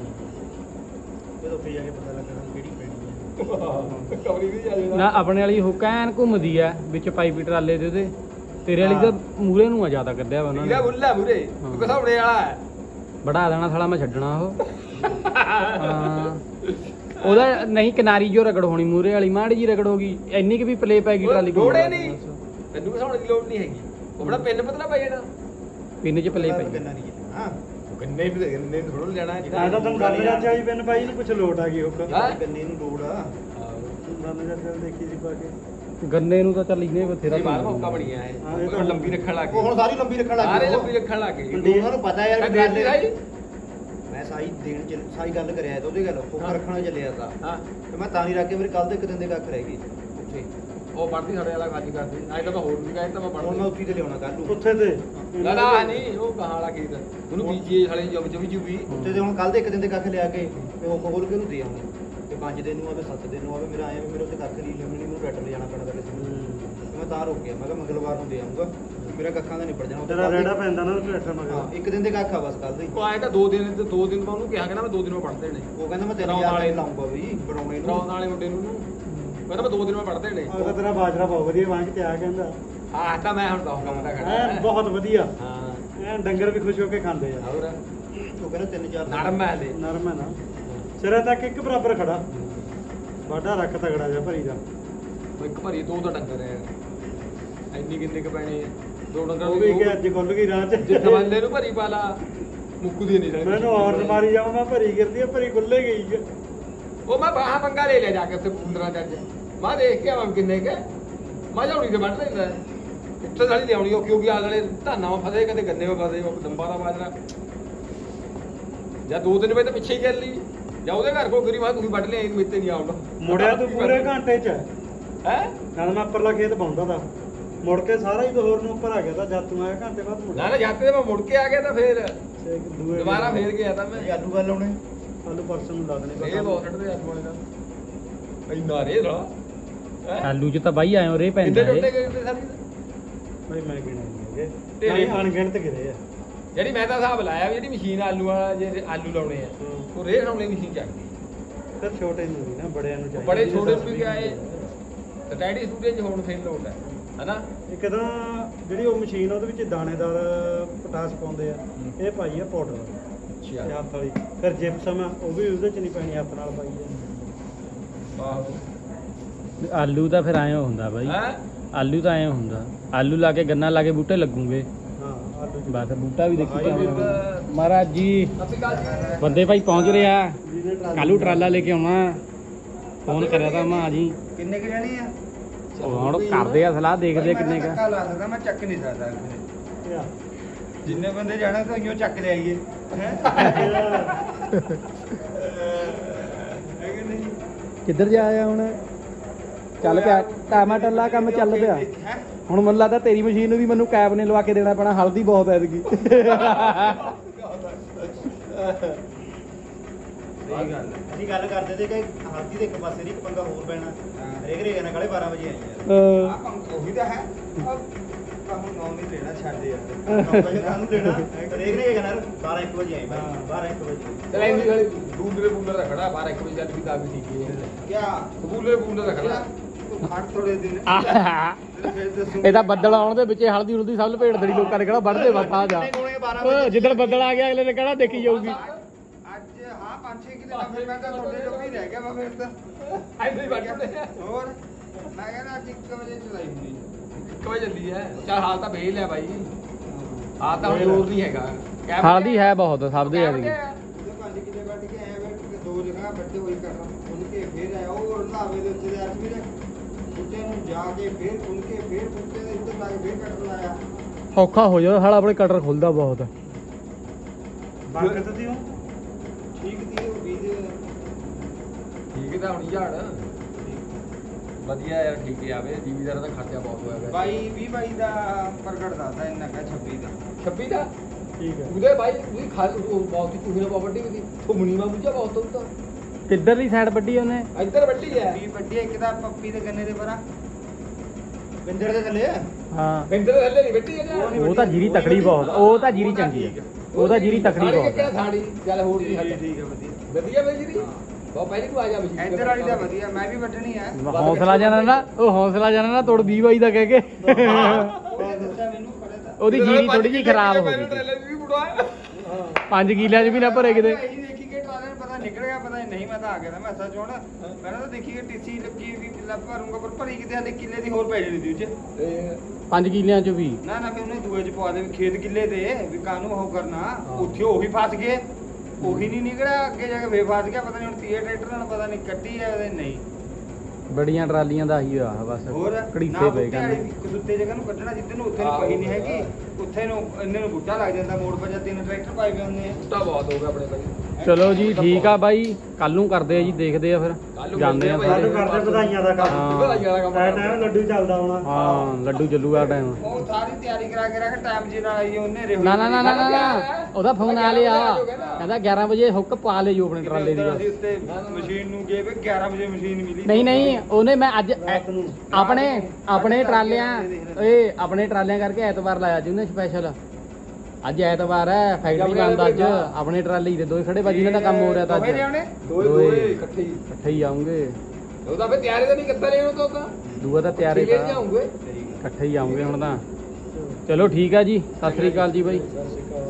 ਜਦੋਂ ਉੱਥੇ ਜਾ ਕੇ ਪਤਾ ਲੱਗਣਾ ਕਿਹੜੀ ਪੈਣੀ ਹੈ
ਕਵਰੀ ਵੀ ਜਾ
ਨਾ
ਜਾਣਾ
ਆਪਣੇ ਵਾਲੀ ਹੁੱਕ ਐਨ ਘੁੰਮਦੀ ਆ ਵਿੱਚ ਪਾਈਪੀ ਟਰਾਲੇ ਦੇ ਉਹਦੇ ਤੇਰੇ ਵਾਲੀ ਤਾਂ ਮੂਰੇ ਨੂੰ ਆ ਜ਼ਿਆਦਾ ਕੱਢਿਆ ਵਾ ਉਹਨਾਂ
ਇਹਦਾ
ਨੇ
ਬੁੱਲਾ ਮੂਰੇ ਤੂੰ ਕਸਾਉਣੇ ਵਾਲਾ ਹੈ
ਬੜਾ ਦੇਣਾ ਸਾਲਾ ਮੈਂ ਛੱਡਣਾ ਉਹ ਹਾਂ ਉਹਦਾ ਨਹੀਂ ਕਿਨਾਰੀ ਜੋ ਰਗੜ ਹੋਣੀ ਮੂਰੇ ਵਾਲੀ ਮਾੜੀ ਜੀ ਰਗੜ ਹੋ ਗਈ ਇੰਨੀ ਕਿ ਵੀ ਪਲੇ ਪੈ ਗਈ ਟਰਾਲੀ ਕੋਲ
ਲੋੜੇ ਨਹੀਂ ਤੈਨੂੰ ਕਸਾਉਣ ਦੀ ਲੋੜ ਨਹੀਂ ਹੈਗੀ ਉਹ ਬੜਾ ਪਿੰਨ ਪਤਲਾ ਪੈ ਜਾਣਾ
ਪਿੰਨ 'ਚ ਪਲੇ ਪੈ
ਗੰਨਾ ਨਹੀਂ ਹਾਂ
ਗੰਨੇ ਵੀ ਗੰਨੇ ਥੋੜਾ ਲੈਣਾ
ਆ ਤਾਂ ਤੈਨੂੰ ਗੱਲ ਜਾਂਦੀ ਆਈ ਪਿੰਨ ਪਾਈ ਨੂੰ ਕੁਛ ਲੋਟ ਆ ਗਈ ਹੁੱਕ
ਹਾਂ।
ਗੰਨੇ ਨੂੰ ਲੋੜ ਆ
ਗੱਲ ਜਾਂਦੀ ਦੇਖੀ ਸੀ ਪਾ ਕੇ
ਗੰਨੇ ਨੂੰ ਤਾਂ ਚੱਲ ਇਹਨੇ ਬਥੇਰਾ
ਇਹ ਬਾਹਰ ਮੌਕਾ ਬਣੀਆਂ
ਹਾਂ,
ਇਹ
ਇਹ
ਤਾਂ
ਤਾਂ
ਲੰਬੀ ਰੱਖਣ ਲੱਗ
ਉਹ ਹੁਣ
ਗਏ
ਸਾਰੀ ਲੰਬੀ ਰੱਖਣ ਲੱਗ
ਸਾਰੇ
ਗਏ
ਲੰਬੀ ਰੱਖਣ ਲੱਗ ਗਏ
ਉਹਨਾਂ ਨੂੰ ਪਤਾ ਯਾਰ ਵੀ ਗੱਲ
ਸਾਈ
ਮੈਂ ਸਾਈ ਗੱਲ ਕਰਿਆ ਤਾਂ ਉਹਦੀ ਗੱਲ ਉਹ
ਹਾਂ।
ਰੱਖਣਾ ਚੱਲਿਆ ਤਾਂ
ਹਾਂ
ਤੇ ਮੈਂ ਤਾਂ ਨਹੀਂ ਰੱਖ ਕੇ ਮੇਰੇ ਕੱਲ ਦੇ ਇੱਕ ਦਿਨ ਦੇ ਕੱਖ ਰਹਿ ਗਈ ਉੱਥੇ
ਉਹ ਪੜਦੀ ਸਾਡੇ ਵਾਲਾ ਖਾਜੀ ਕਰਦੀ ਅੱਜ ਤਾਂ ਮੈਂ ਹੋਰ ਵੀ ਕਹਿੰਦਾ ਮੈਂ
ਹੁਣ ਮੈਂ
ਪੜਦੀ
ਉੱਥੇ ਤੇ ਲਿਆਉਣਾ ਕੱਲ ਨੂੰ
ਉੱਥੇ ਤੇ
ਨਾ ਨਾ ਨਹੀਂ ਉਹ ਕਹਾਂ ਵਾਲਾ ਖੇਤ ਉਹਨੂੰ ਬੀਜੀਏ ਸਾਲੇ ਜੁਬ ਜੁਬੀ
ਉੱਥੇ ਤੇ ਹੁਣ ਕੱਲ ਦੇ ਇੱਕ ਦਿਨ ਦੇ ਕੱਖ ਲਿਆ ਕੇ ਤੇ ਉਹ ਖੋਲ ਕੇ ਉਹਨੂੰ ਦੇ ਆਉਂਗੇ ਤੇ 5 ਦਿਨ ਨੂੰ ਆਵੇ 7 ਦਿਨ ਨੂੰ ਆਵੇ ਮੇਰਾ ਆਇਆ ਵੀ ਮੇਰੇ ਉੱਥੇ ਕੱਖ ਨਹੀਂ ਲੈਣੀ ਮੈਨੂੰ ਟਰੈਕਟਰ ਲੈ ਜਾਣਾ ਪੈਣਾ ਤਾਂ ਕਿਸੇ ਨੂੰ ਮੈਂ ਤਾਂ ਰੁਕ ਗਿਆ ਮੈਂ ਕਿਹਾ ਮੰਗਲਵਾਰ ਨੂੰ ਦੇ ਆਉਂਗਾ ਮੇਰਾ ਕੱਖਾਂ ਦਾ ਨਿਬੜ ਜਾਣਾ
ਤੇਰਾ ਰੇੜਾ ਪੈਂਦਾ ਨਾ ਟਰੈਕਟਰ
ਹਾਂ
ਮਗਰ
ਇੱਕ ਦਿਨ ਦੇ ਕੱਖ ਆ ਬਸ ਕੱਲ ਦੇ
ਉਹ ਆਏਗਾ 2 ਦਿਨ ਤੇ 2 ਦਿਨ ਮੈਂ ਉਹਨੂੰ ਕਿਹਾ ਕਿ ਨਾ ਮੈਂ 2 ਦਿਨ ਮੈਂ ਪੜਦੇ ਨੇ
ਉਹ ਕਹਿੰਦਾ ਮੈਂ ਤੇਰੇ
ਬਣਾਉਣ
ਯਾਰ
ਵਾਲੇ
ਲਾਉਂਗਾ ਵੀ ਬਣਾਉਣੇ ਨੂੰ
ਰੌਣ ਵਾਲੇ ਮੁੰਡੇ ਨੂੰ ਕਹਿੰਦਾ ਮੈਂ 2 ਦਿਨ ਮੈਂ ਪੜਦੇ ਨੇ
ਅਗਰ ਤੇਰਾ ਬਾਜਰਾ ਬਹੁਤ ਵਧੀਆ ਵਾਂਗ ਤੇ ਆ ਕਹਿੰਦਾ
ਹਾਂ ਤਾਂ ਮੈਂ ਹੁਣ ਦਊਂਗਾ ਮੈਂ ਤਾਂ ਖੜਾ
ਐਨ ਬਹੁਤ ਵਧੀਆ
ਹਾਂ
ਐਨ ਡੰਗਰ ਵੀ ਖੁਸ਼ ਹੋ ਕੇ ਖਾਂਦੇ ਆ
ਹੋਰ
ਉਹ ਕਹਿੰਦਾ 3-4
ਨਰਮ ਹੈ ਲੈ
ਨਰਮ ਹੈ ਨਾ ਸਿਰੇ ਤੱਕ ਇੱਕ ਬਰਾਬਰ ਖੜਾ ਵਾਢਾ ਰੱਖ ਤਗੜਾ ਜਿਹਾ ਭਰੀ ਦਾ
ਉਹ ਇੱਕ ਭਰੀ 2 ਤਾਂ ਡੰਗਰ ਹੈ ਇੰਨੀ ਕਿੰਨੇ ਕ ਪੈਣੇ 2 ਡੰਗਰ
ਉਹ ਵੀ ਕਿ ਅੱਜ ਖੁੱਲ ਗਈ ਰਾਹ
ਜੇ
ਚ
ਥਵਾਲੇ ਨੂੰ ਭਰੀ ਪਾ ਲਾ ਮੁੱਕਦੀ ਨਹੀਂ ਸਾਲੀ
ਮੈਨੂੰ ਔਰ ਮਾਰੀ ਜਾਵਾਂ ਮੈਂ ਭਰੀ ਗਿਰਦੀ ਆ ਭਰੀ ਖੁੱਲੇ ਗਈ ਆ
ਉਹ ਮੈਂ ਬਾਹਾਂ ਪੰਗਾ ਲੈ ਲਿਆ ਜਾ ਕੇ ਉੱਥੇ ਪੁੰਦਰਾ ਜੱਜ ਮੈਂ ਦੇਖ ਕੇ ਆਵਾਂ ਕਿੰਨੇ ਕੇ ਮੈਂ ਜਾਉਣੀ ਤੇ ਵੱਢ ਲੈਂਦਾ ਉੱਥੇ ਸਾਲੀ ਲਿਆਉਣੀ ਉਹ ਕਿਉਂਕਿ ਆਲੇ ਧਾਨਾਂ ਵਾ ਫਸੇ ਕਦੇ ਗੰਨੇ ਵਾ ਫਸੇ ਉਹ ਦੰਬਾਂ ਦਾ ਬਾਜਰਾ ਜਾਂ 2 ਦਿਨ ਵੇ ਤਾਂ ਪਿੱਛੇ ਹੀ ਕਰ ਲਈ ਜਾਂ ਉਹਦੇ ਘਰ ਕੋਲ ਗਰੀ ਮੈਂ ਤੁਸੀਂ ਵੱਢ ਲਿਆ ਮੇਤੇ ਨਹੀਂ ਆਉਂਦਾ
ਮੁੜਿਆ ਤੂੰ ਪੂਰੇ ਘੰਟੇ ਚ
ਹੈ
ਨਾਲ ਮੈਂ ਉੱਪਰਲਾ ਖੇਤ ਪਾਉਂਦਾ ਤਾ ਮੁੜ ਕੇ ਸਾਰਾ ਹੀ ਹੋਰ ਨੂੰ ਉੱਪਰ ਆ ਗਿਆ ਤਾਂ ਜਦ ਤੂੰ ਆਇਆ ਘੰਟੇ ਬਾਅਦ ਮੁੜਿਆ
ਨਾ ਨਾ ਜਾਤੇ ਤੇ ਮੈਂ ਮੁੜ ਕੇ ਆ ਗਿਆ ਤਾਂ ਫੇਰ
ਤੇ ਇੱਕ ਦੂਏ
ਦੁਬਾਰਾ ਫੇਰ ਗਿਆ ਤਾਂ ਮੈਂ
ਆਲੂ ਗੱਲ ਲਾਉਣੇ
ਆਲੂ ਪਰਸੋਂ ਨੂੰ ਲਾ ਦੇਣੇ
ਇਹ ਬਹੁਤ ਛੱਡਦੇ ਆਲੂ ਵਾਲੇ ਦਾ ਇੰਨਾ ਰੇ ਰਾ
ਆਲੂ 'ਚ ਤਾਂ ਬਾਈ ਆਇਓ ਰੇ ਪੈਂਦਾ
ਇੰਨੇ
ਏ
ਟੁੱਟੇ ਗਏ ਤੇ ਸਾਰੀ
ਭਾਈ ਮੈਂ ਗਿਣੇ ਨਹੀਂ ਹੈਗੇ
ਤੇਰੇ
ਨਹੀਂ ਅਣਗਿਣਤ ਗਿਰੇ ਆ
ਜਿਹੜੀ ਮੈਂ ਤਾਂ ਹਿਸਾਬ ਲਾਇਆ ਵੀ ਜਿਹੜੀ ਮਸ਼ੀਨ ਆਲੂ ਵਾਲਾ ਜੇ ਆਲੂ ਲਾਉਣੇ ਆ ਉਹ ਰੇਹ ਲਾਉਣੇ ਮਸ਼ੀਨ ਚੱਕਦੀ
ਫਿਰ ਛੋਟੇ ਨੂੰ ਨਹੀਂ ਨਾ ਬੜਿਆਂ ਨੂੰ ਚਾਹੀਦਾ
ਬੜੇ ਛੋਟੇ ਨੂੰ ਵੀ ਕਿਹਾ ਏ ਤੇ ਡੈਡੀ ਸਟੂਡੀਓ 'ਚ ਹੁਣ ਫੇਰ ਲੋਡ ਹੈ ਹਨਾ
ਇੱਕ ਤਾਂ ਜਿਹੜੀ ਉਹ ਮਸ਼ੀਨ ਉਹਦੇ ਵਿੱਚ ਦਾਣੇਦਾਰ ਪਟਾਸ ਪਾਉਂਦੇ ਆ ਇਹ ਪਾਈ ਆ ਪਾਊਡਰ
ਅੱਛਾ
ਹੱਥ ਵਾਲੀ ਫਿਰ ਜਿਪਸਮ ਆ ਉਹ ਵੀ ਉਹਦੇ ਚ ਨਹੀਂ ਪੈਣੀ ਹੱਥ ਨਾਲ ਪਾਈ ਆ
ਆਹੋ
ਆਲੂ ਤਾਂ ਫਿਰ ਐਂ ਹੁੰਦਾ ਬਾਈ
ਹੈ
ਆਲੂ ਤਾਂ ਐਂ ਹੁੰਦਾ ਆਲੂ ਲਾ ਕੇ ਗੰਨਾ ਲਾ ਕੇ ਬੂਟੇ ਲੱਗੂਗੇ
ਹਾਂ ਆਲੂ ਚ
ਬਸ ਬੂਟਾ ਵੀ ਦੇਖੀ
ਭਾਈ
ਜਾਵਾਂਗੇ ਮਹਾਰਾਜ ਜੀ
ਸਤਿ ਸ਼੍ਰੀ ਅਕਾਲ
ਬੰਦੇ ਭਾਈ ਪਹੁੰਚ ਰਿਹਾ
ਜਿਹਦੇ ਟਰਾਲੀ-
ਕੱਲੂ ਟਰਾਲਾ ਲੈ ਕੇ ਆਉਣਾ ਫੋਨ ਕਰਿਆ ਤਾਂ ਮਾਂ ਜੀ
ਕਿੰਨੇ ਕੁ ਜਾਣੀ ਆ
ਉਹ ਹੁਣ ਕਰਦੇ ਆ ਸਲਾਹ ਦੇਖਦੇ ਆ ਕਿੰਨੇ ਕਾ
ਧੱਕਾ ਲਾ ਸਕਦਾ ਮੈਂ ਚੱਕ ਨਹੀਂ ਸਕਦਾ
ਆ।
ਜਿੰਨੇ ਬੰਦੇ ਜਾਣਾ ਤਾਂ ਉਈਓ ਚੱਕ ਲਿਆਈਏ ਹੈ ਕਿ ਨਹੀਂ
ਕਿੱਧਰ ਜਾ ਆਇਆ ਹੁਣ ਚੱਲ ਪਿਆ ਟਾਮਾ ਟੱਲਾ ਕੰਮ ਚੱਲ ਪਿਆ
ਹੈਂ?
ਹੁਣ ਮੈਨੂੰ ਲੱਗਦਾ ਤੇਰੀ ਮਸ਼ੀਨ ਨੂੰ ਵੀ ਮੈਨੂੰ ਕੈਬ ਨੇ ਲਵਾ ਕੇ ਦੇਣਾ ਪੈਣਾ ਹਲਦੀ ਬਹੁਤ ਐਤਕੀ
ਸਹੀ ਗੱਲ ਹੈ। ਅਸੀਂ ਗੱਲ ਕਰਦੇ ਤੇ ਕਿ ਹਲਦੀ ਦੇ ਇੱਕ ਪਾਸੇ ਨਹੀਂ ਇੱਕ ਪੰਗਾ ਹੋਰ ਪੈਣਾ ਰੇਗ ਰੇਗ ਨਾਲ 12:30 ਵਜੇ ਆਈ ਯਾਰ ਆ ਪੰਗਾ ਉਹੀ ਤਾਂ ਹੈ ਕੰਮ ਨੌ ਨਹੀਂ ਲੈਣਾ ਛੱਡ ਯਾਰ ਕੰਮ ਲੈਣਾ ਰੇਗ ਰੇਗ ਨਾਲ 12-1 ਵਜੇ ਆਈ ਬਾਈ 12-1 ਵਜੇ
ਚਲ ਐਂਦੀ ਵਾਲੀ ਬੂਲਰੇ ਬੂਲਰ ਦਾ ਖੜਾ 12 1 ਵਜੇ ਚੱਲ ਵੀ ਤਾਂ ਵੀ ਠੀਕ ਹੈ
ਕਿਆ
ਬੂਲਰੇ ਬੂਲਰ ਦਾ ਖੜਾ
ਤੂੰ ਖੜ ਥੋੜੇ ਦਿਨ ਫਿਰ ਦੱਸੂ
ਇਹ ਤਾਂ ਬੱਦਲ ਆਉਣ ਦੇ ਵਿੱਚ ਹਲਦੀ ਹੁਲਦੀ ਸਭ ਲਪੇਟ ਦੇਣੀ ਲੋਕਾਂ ਨੇ ਕਹਿਣਾ ਵੱਢਦੇ ਬਸ ਆ ਜਾ
ਕੋਲੇ 12 ਵਜੇ
ਜਿੱਦਣ ਬੱਦਲ ਆ ਗਿਆ ਅਗਲੇ ਨੇ ਕਹਿਣਾ ਦੇਖੀ ਜਾਊਗੀ
ਅੱਜ ਹਾਂ 5-6 ਕਿਲੇ ਲੰਮੇ ਮੈਂ ਤਾਂ ਤੁਹਾਡੇ ਜੋਗੀ ਰਹਿ ਗਿਆ ਵਾ ਫਿਰ ਤਾਂ
ਐਂਦੀ ਵੱਢਦੇ ਆ
ਹੋਰ ਮੈਂ ਕਹਿੰਦਾ ਅੱਜ 1 ਵਜੇ ਚਲਾਈ ਹੁੰਦੀ
1 ਵਜੇ ਚੱਲੀ ਹੈ ਚਲ ਹਾਲ ਤਾਂ ਵੇਲ ਹੈ ਬਾਈ ਆ ਤਾਂ ਹੁਣ ਜ਼ੋਰ ਨਹੀਂ ਹੈਗਾ
ਹਲਦੀ ਹੈ ਬਹੁਤ ਸਭ ਦੇ
ਕਿਆ
ਯਾਰ
ਵਧੀਆ ਆ।
ਉਹਦੇ 5 ਕਿੱਲੇ ਵੱਢ ਕੇ ਆਇਆ ਬੈਠ ਕੇ ਦੋ ਜਗ੍ਹਾ ਵੱਡੇ ਹੋਈ ਕਰਨਾ ਖੁੱਲ ਕੇ ਫੇਰ ਆਇਆ ਉਹ ਲਾਵੇ ਦੇ ਉੱਤੇ ਦੇ ਅੱਜ ਵੀਰੇ ਬੁੱਟੇ ਨੂੰ ਜਾ ਕੇ ਫੇਰ ਖੁੱਲ ਕੇ ਫੇਰ ਬੁੱਟੇ ਦੇ ਉੱਤੇ ਲਾ ਕੇ ਫੇਰ ਕੱਟ ਲਾਇਆ
ਔਖਾ ਹੋ ਜਾਂਦਾ ਸਾਲਾ ਆਪਣੇ ਕਟਰ ਖੁੱਲਦਾ ਬਹੁਤ
ਬਰਕਤ ਦੀ ਉਹ
ਠੀਕ ਦੀ ਉਹ ਬੀਜ
ਠੀਕ ਤਾਂ ਹੋਣੀ ਝਾੜ ਵਧੀਆ ਯਾਰ ਠੀਕ ਹੀ ਆਵੇ ਜੀਵੀਦਾਰ ਦਾ ਖਰਚਾ ਬਹੁਤ ਹੋਇਆ ਪਿਆ
22 ਦਾ ਪ੍ਰਗਟ ਦੱਸਦਾ ਇੰਨਾ ਕਾ 26 ਦਾ
26 ਦਾ
ਠੀਕ ਹੈ
ਉਹਦੇ ਬਾਈ ਵੀ ਬਹੁਤ ਚੂਹੀ ਨਾਲ ਪ੍ਰਾਪਰਟੀ ਵੀ ਥੁਮਣੀ ਮਾ ਮੁੱਝਾ ਬਹੁਤ ਹੁੰਦਾ
ਕਿੱਧਰਲੀ ਸਾਈਡ ਵੱਢੀ ਉਹਨੇ
ਇੱਧਰ ਵੱਡੀ ਹੈ
20 ਵੱਡੀ ਇੱਕ ਦਾ ਪੱਪੀ ਦੇ ਗੰਨੇ ਦੇ ਪਰਾਂ ਬਿੰਦਰ ਦੇ ਥੱਲੇ
ਹਾਂ
ਬਿੰਦਰ ਦੇ ਥੱਲੇ ਨਹੀਂ ਵੱਡੀ ਹੈ
ਉਹ ਤਾਂ ਜੀਰੀ ਤਕੜੀ ਬਹੁਤ ਉਹ ਤਾਂ ਜੀਰੀ ਚੰਗੀ ਹੈ ਉਹ ਤਾਂ ਜੀਰੀ ਤਕੜੀ ਬਹੁਤ
ਕਿਹੜਾ
ਹੈ
ਸਾੜੀ ਚੱਲ ਹੋਰ ਦੀ ਹੱਦ
ਠੀਕ ਹੈ ਵਧੀਆ
ਵਧੀਆ ਬਈ ਜੀਰੀ ਬਹੁਤ ਪਹਿਲੀ ਤੂੰ ਆ ਜਾ ਬਈ
ਇੱਧਰ ਵਾਲੀ ਦਾ ਵਧੀਆ ਮੈਂ ਵੀ ਵੱਢਣੀ ਆ
ਹੌਸਲਾ ਜਾਣਾ ਨਾ ਉਹ ਹੌਸਲਾ ਜਾਣਾ ਨਾ ਤੋੜ 20 ਬਾਈ ਦਾ ਕਹਿ ਕੇ
ਉਹ ਦੱਸਿਆ ਮੈਨੂੰ ਖੜੇ ਦਾ
ਉਹਦੀ ਜੀਰੀ ਥੋੜੀ ਜਿਹੀ ਖਰਾਬ ਹੋ ਗਈ
ਟ੍ਰੇਲਰ ਵੀ ਬੁੜਵਾ
5 ਕਿੱਲਿਆਂ 'ਚ ਵੀ ਨਾ ਭਰੇ ਕਿਤੇ
ਇਹੀ ਦੇਖੀ ਕਿ ਟਰਾਲੇ ਨੂੰ ਪਤਾ ਨਿਕਲ ਗਿਆ ਪਤਾ ਨਹੀਂ ਮੈਂ ਤਾਂ ਆ ਗਿਆ ਤਾਂ ਮੈਂ ਸੱਚ ਹੋਣਾ ਪਹਿਲਾਂ ਤਾਂ ਦੇਖੀ ਕਿ ਟੀਸੀ ਲੱਗੀ ਵੀ ਲੱਭ ਭਰੂੰਗਾ ਪਰ ਭਰੀ ਕਿਤੇ ਹਲੇ ਕਿੱਲੇ ਦੀ ਹੋਰ ਪੈ ਜਾਣੀ ਦੀ ਉੱਚ
5 ਕਿੱਲਿਆਂ 'ਚ ਵੀ
ਨਾ ਨਾ ਫਿਰ ਉਹਨੇ ਦੂਏ ਚ ਪਵਾ ਦੇ ਵੀ ਖੇਤ ਕਿੱਲੇ ਦੇ ਵੀ ਕਾਹਨੂੰ ਉਹ ਕਰਨਾ ਉੱਥੇ ਉਹੀ ਫਸ ਗਏ ਉਹੀ ਨਹੀਂ ਨਿਕਲਿਆ ਅੱਗੇ ਜਾ ਕੇ ਫੇਰ ਫਸ ਗਿਆ ਪਤਾ ਨਹੀਂ ਹੁਣ ਤੀਏ ਟਰੈਕਟਰ ਨਾਲ ਪਤਾ ਨਹੀਂ ਕੱਟੀ ਹੈ ਉਹਦੇ ਨਹੀਂ
ਬੜੀਆਂ ਟਰਾਲੀਆਂ ਦਾ ਹੀ ਆ ਬਸ
ਹੋਰ
ਘੜੀਸੇ ਪਏ ਕਹਿੰਦੇ
ਕਸੁੱਤੇ ਜਗ੍ਹਾ ਨੂੰ ਕੱਢਣਾ ਜਿੱਦ ਨੂੰ ਉੱਥੇ ਨੂੰ ਪਈ ਨਹੀਂ ਹੈਗੀ ਉੱਥੇ ਨੂੰ ਇੰਨੇ ਨੂੰ ਬੁੱਟਾ ਲੱਗ ਜਾਂਦਾ ਮੋੜ ਪਰ ਜਾਂ 3 ਟਰੈਕਟਰ ਪਾਏ ਹੋਏ ਹੁੰਦੇ ਆ
ਬੁੱਟਾ ਬਹੁਤ ਹੋ ਗਿਆ ਆਪਣੇ ਭਾਈ
ਚਲੋ ਜੀ ਠੀਕ ਆ ਬਾਈ ਕੱਲ ਨੂੰ ਕਰਦੇ ਆ ਜੀ ਦੇਖਦੇ ਆ ਫਿਰ
ਕੱਲ੍ਹ ਨੂੰ
ਜਾਂਦੇ ਆ
ਮਿਲਦੇ ਆ
ਕੱਲ ਕਰਦੇ ਵਧਾਈਆਂ ਦਾ ਕੰਮ
ਹਾਂ।
ਵਧਾਈਆਂ ਦਾ ਕੰਮ
ਐ ਟਾਈਮ ਲੱਡੂ ਚੱਲਦਾ ਹੋਣਾ
ਹਾਂ ਲੱਡੂ ਚੱਲੂਗਾ ਟਾਈਮ
ਉਹ ਸਾਰੀ ਤਿਆਰੀ ਕਰਾ ਕੇ ਰੱਖ ਟਾਈਮ ਜੀ ਨਾਲ ਆਈ ਉਹਨੇ ਰੇਹੂ
ਨਾ ਨਾ ਨਾ ਨਾ ਨਾ ਉਹਦਾ ਫੋਨ ਆ ਲਿਆ ਕਹਿੰਦਾ 11 ਵਜੇ ਹੁੱਕ ਪਾ ਲਿਓ ਆਪਣੇ ਟਰਾਲੇ ਦੀ
ਅਸੀਂ ਉੱਤੇ ਮਸ਼ੀਨ ਨੂੰ ਗਏ ਵੀ 11 ਵਜੇ ਮਸ਼ੀਨ ਮਿਲੀ
ਨਹੀਂ ਨਹੀਂ ਉਹਨੇ ਮੈਂ ਅੱਜ
ਰਾਤ ਨੂੰ
ਆਪਣੇ ਟਰਾਲਿਆਂ ਕਰਕੇ ਐਤਵਾਰ ਲਾਇਆ ਜੀ ਉਹਨੇ ਸਪੈਸ਼ਲ ਅੱਜ ਐਤਵਾਰ ਹੈ ਫੈਕਟਰੀ ਬੰਦ ਅੱਜ ਆਪਣੇ ਟਰਾਲੇ ਦੇ ਦੋਏ ਖੜੇ ਬਾਜੀ ਇਹਨਾਂ ਦਾ ਕੰਮ ਹੋ ਰਿਹਾ ਤਾਂ ਅੱਜ
ਦੋਵੇਂ ਲਿਆਉਣੇ?
ਦੋਏ ਇਕੱਠੇ ਹੀ
ਇਕੱਠੇ ਹੀ ਆਉਂਗੇ
ਉਹਦਾ ਫੇ ਤਿਆਰੀ ਤਾਂ ਨਹੀਂ ਕਿੱਦਾਂ ਲੈਣ ਤੋਂ ਤਾਂ
ਦੂਆ ਤਾਂ ਤਿਆਰੀ
ਠੀਕ ਹੈ
ਤਾਂ
ਜਾਉਂਗੇ
ਇਕੱਠੇ ਹੀ ਆਉਂਗੇ ਹੁਣ ਤਾਂ ਚਲੋ ਠੀਕ ਆ ਜੀ ਸਤਿ ਸ੍ਰੀ ਅਕਾਲ ਜੀ ਬਾਈ